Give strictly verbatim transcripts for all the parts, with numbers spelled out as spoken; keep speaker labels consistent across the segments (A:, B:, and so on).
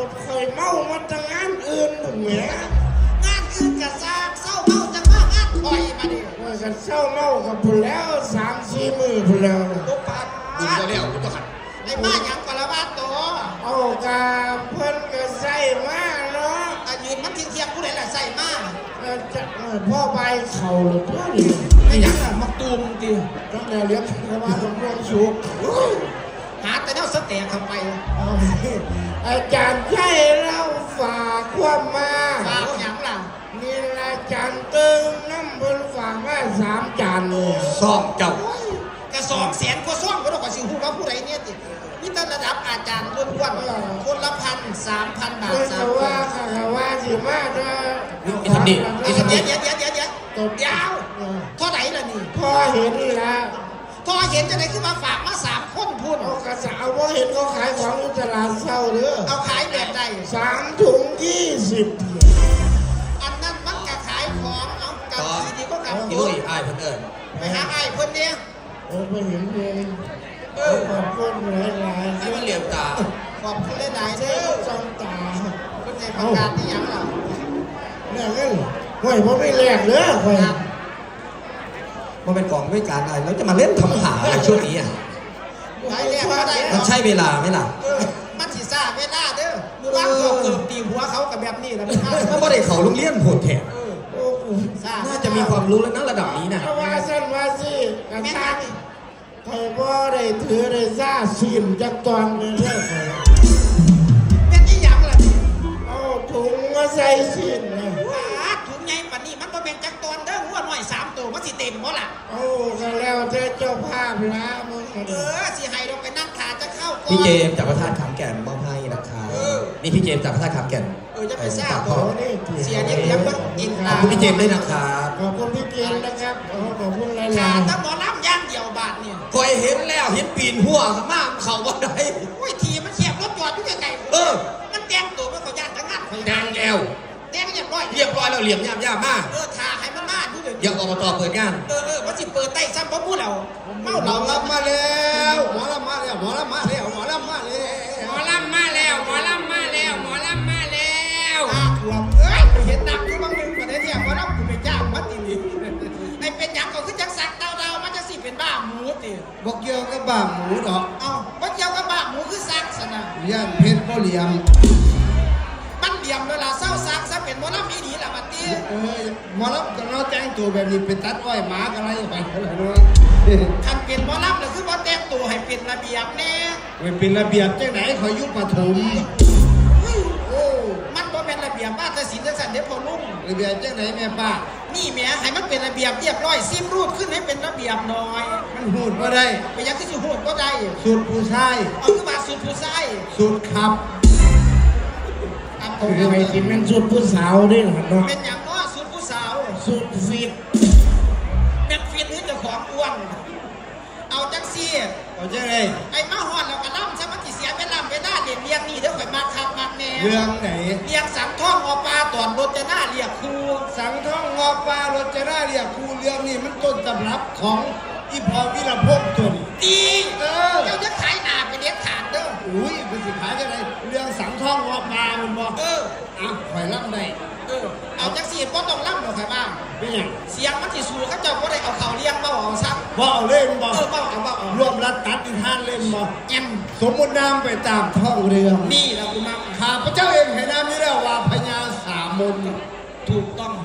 A: เคยเมามาตั้งงานอื่นหมดแหม
B: งานอื่นกะซากเศร้าเมาจังว่างานคอยมาดิ
A: ว่ากันเศร้าเมากับพุ่นแล้วสามสี่มือพุ่นแล้ว
B: ตุ๊กปัด
C: ดึงจะเลี้ยวกูต้องขัด
B: ไอ้บ้าหยังกะละบ้าโต
A: เอากาเพิ่นก็ใส่มาเนาะ
B: อายืนมันทิ้งเทียงผู้ใดล่ะใส่มา
A: จะพ่อใบเข่าหรือตัวนี้
B: ไอ้ยังอ่ะมักตูมตี
A: ตั้งแต่เลี้ยงกระบาดของพวกสุก
B: หาแต่แนวสเต็กเข้าไป
A: อาจารย์ใช่เราฝากความมา
B: ฝากหยังล่ะ
A: นี่ละจานเติมน้ำเพิ่นฝากมาสามจานเลย
C: ซ่อมเจ้าก
B: ระสอบแสนกว่าซ่องก็ต้องกว่าสิฮู้ว่าผู้ใดเนี่ยตินี่ตั้งระดับอาจารย์ล้วนๆคนละพันสามพันบาท
A: สามว่าค่ะว่าสิมาเด้อ
C: ไอ้ทำดิไอ้ทำดิ
B: เดี๋ยวเดี๋ยวเดี๋ยวเดี๋ยวตบยาวเท่าไหร่ล่ะนี่
A: พอเห็นนี่ละ
B: พอเห็นจะไหนขึ้นมาฝากมาสามคนพูด
A: กระสาวว่าเห็นเขาขายของในตลาดเศร้าเด้อ
B: เอาขายแบบใด
A: สามถุงยี่สิบ
B: อันนั้นมันกะขายของเอากับทีนี้ก็กับ
C: ยุ้ยไอ้เพิ่นเอิญ
B: ไปหาไอ้เพิ่นเนี่ย
A: เออไปเห็นเองเออขอบคุณหลายหลาย
C: ให้มันเหลี่ยมตา
B: ขอบคุณหลายๆเด้อ
A: จ้องตา
B: เพิ่นในประกาศที่ยังเรา
A: เนี่ยเงินห่วยผมไม่แลกเด้อห่วย
C: มันเป็นกองด้วยการอะไรแล้วจะมาเล่นทำหาอะไรช่วงนี้อ่ะมันใช่เวลาไหมล่ะ
B: มันสีซ่าเวลาเด้อมือว่างเขาเกิดตีหัวเขากับแบบนี้แล้ว
C: มันไม่ได้เขาโรงเรียนโหดแถมน่าจะมีความรู้แล้วนะระดับนี้นะ
A: ว่าสั้นว่าสิกันตั้งใครว่าได้ถือได้ซ่าสินจักตอนเลยเด้อ
B: เป็นยี่หยังล่ะ
A: เอาถุงมาใส่สินเลย
B: ถุงใหญ่ปานนี้มันก็เป็นจักตอนเด้อหัวหน่อยสามตัวมันสิเต็มบ่ล่ะ
A: โอ้ก็แล้วแต่เจ้าภาพละมึง
B: เออสิให้เราไปนั่งขาจะเข้าก่อน
C: พี่เจมจากพระธาตุขามแก่นมอบให้นะคะนี่พี่เจมจากพระธาตุขามแก่น
B: เออจะไปทราบเขาเสียเนี่ยเดี๋ยวมันอิน
C: ขอบคุณพี่เจมด้วยนะครับ
A: ขอบคุณพี่เจมนะครับขอบคุณหลายๆ
B: ขาถ้าหมอลำย่างเดียวบาทเนี่ย
C: คอยเห็นแล้วเห็นปีนหัวมากเขาว่าได้
B: โอ้ยทีมันเสียบรถจอดอยู่ยังไง
C: เออ
B: มันแต่งตัวมันเขาย่างทั้งนั้น
C: ดังแอว
B: แต่งเรียบร้อย
C: เรียบร้อยแล้วเหลี่ยมย่ำย่ำมาก
B: เออถ่าให้มันมาดูเดี๋ยว
C: เดี๋ยวอบตเปิดงาน
B: เออเออว่าสิเปิดไต้ซ้ำเพราะพูดเราเมาเรา
C: ลำมาแล้วหมอลำมาแล้วหมอลำมาแล้วหมอลำมาแล้ว
B: หมอลำมาแล้วหมอลำมาแล้วหมอลำมาแล้วอ่ะหลบเอ้ยไปเห็นนักอยู่บางนึงประเดี๋ยวเนี่ยหมอลำกูไปจ้างมัดตีนี่ไอ้เป็นยังก็คือจักสักเดาเดามันจะสิเป็นบ้าหมูตี
C: บอกเกี่ยวกับบ้าหมูดอก
B: เอ้าบอกเกี่ยวกับบ้าหมูคือซักสนะ
C: ย่านเพชรบ่เหลี่ยม
B: มันเหลี่ยมเวลาเศร้าซักซะเป็นหมอลำมีดีละบัดนี้
C: เออหมอลำจะเราแต่งตัวแบบนี้เป็นตัดอ้อยหมาอะไรไปอะไรด้วย
B: ทำเป็นหมอลำหรือคือว่าแต่งตัวให้เป็นระเบียบแน่
C: ไม่เป็นระเบียบจังไหนขอยุบปฐม
B: โอ้มันบ่เป็นระเบียบบ้านแต่ศิลป์สันเด็จพอลุ่ม
C: ระเบียบจังไหนแม่ป้า
B: นี่แม่ให้มันเป็นระเบียบเรียบร้อยซิมรูดขึ้นให้เป็นระเบียบหน่อย
C: มันหูดก็ได้
B: ไปยังที่สุหูดก็ได้
C: สุดผู้ชาย
B: เอาขึ้นมาสุดผู้ชาย
C: สุดขับ
A: คือไปกินเป็นสุดผู้สาวด้วยเหรอเนาะ
B: เป็นอย่างน้อสุดผู้สาว
A: สุดฟิต
B: เป็นฟิตหรือเจ้าของอ้วนเอาจังซี่
C: เอาจังไง
B: ไอ้มาหอดเรากระล่ำใช่ไหมที่เสียเป็นล่ำเป็นหน้าเด่นเลี้ยงนี่เดี๋ยวข่อยมาคับมาแน่
C: เรื่องไหน
B: เลี้ยงสังท่องอปลาตอนรถจะหน้าเรียกครู
C: สังท่องงอปลารถจะหน้าเรียกครูเรื่องนี้มันต้นตำรับของอีพอวิรพงษ์ตัวนี้
B: ดีเออเจ้าจะขายหนาไปเด็ดขาดเด้อ
C: อุ้ยเป็นสิขายจะไรเรื่องสังท่องงอปลามันบอก
B: เออ
C: อ่ะข่อยล่ำได้
B: เออเอาจังสีก็ต้องล่ำหรอกใครบ้าง
C: เป็นยัง
B: เสียงมันที่สูเขาเจ้าก็ได้เอาเขาเลี้ยงเบ้าเอาซัก
C: เบ้าเล่นบ่
B: เออเบ้าเอาเบ้าเอา
C: รวมรัดตัดอีท่านเล่นบ่
B: แอม
C: สมมุติน้ำไปตามท่องเรือ
B: นี่เราคุณมา
C: ข้าพเจ้าเองให้น้ำนี้แล้วว่าพญาสามน
B: ถูกต้อง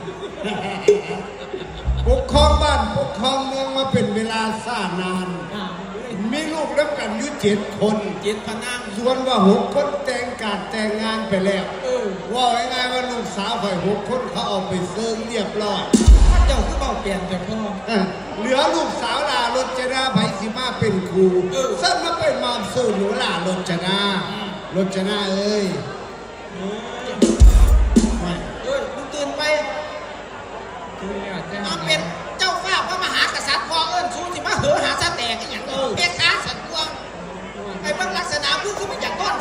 C: ปกครองบ้านปกครองเมืองมาเป็นเวลาซ่านานมีลูกรับกันอยู่เจ็ดคน
B: เจ็ดพนัง
C: ส่วนว่าหกคนแต่งการแต่งงานไปแล้วว่าง่ายๆว่าลูกสาวฝ่ายหกคนเขาเอาไปเซิร์งเรียบร้อย
B: พระเจ้าคือเบาเปลี่ยนแต่พ่อ
C: เหลือลูกสาวลารจนาไผ่สิมาเป็นครูซึ่งมาเป็นมอมสื่อหนูลารจนารจนาเอ้ย
B: เอ้ยมึงตื่นไปมาเป็นเจ้าฟ้าพระมหากษัตริย์พ่อเอิญชูที่มาเหอหาซาแตกอย่างเออเปียกขาสันตัวไอ้บางลักษณะพูดคือมันอย่างก้อน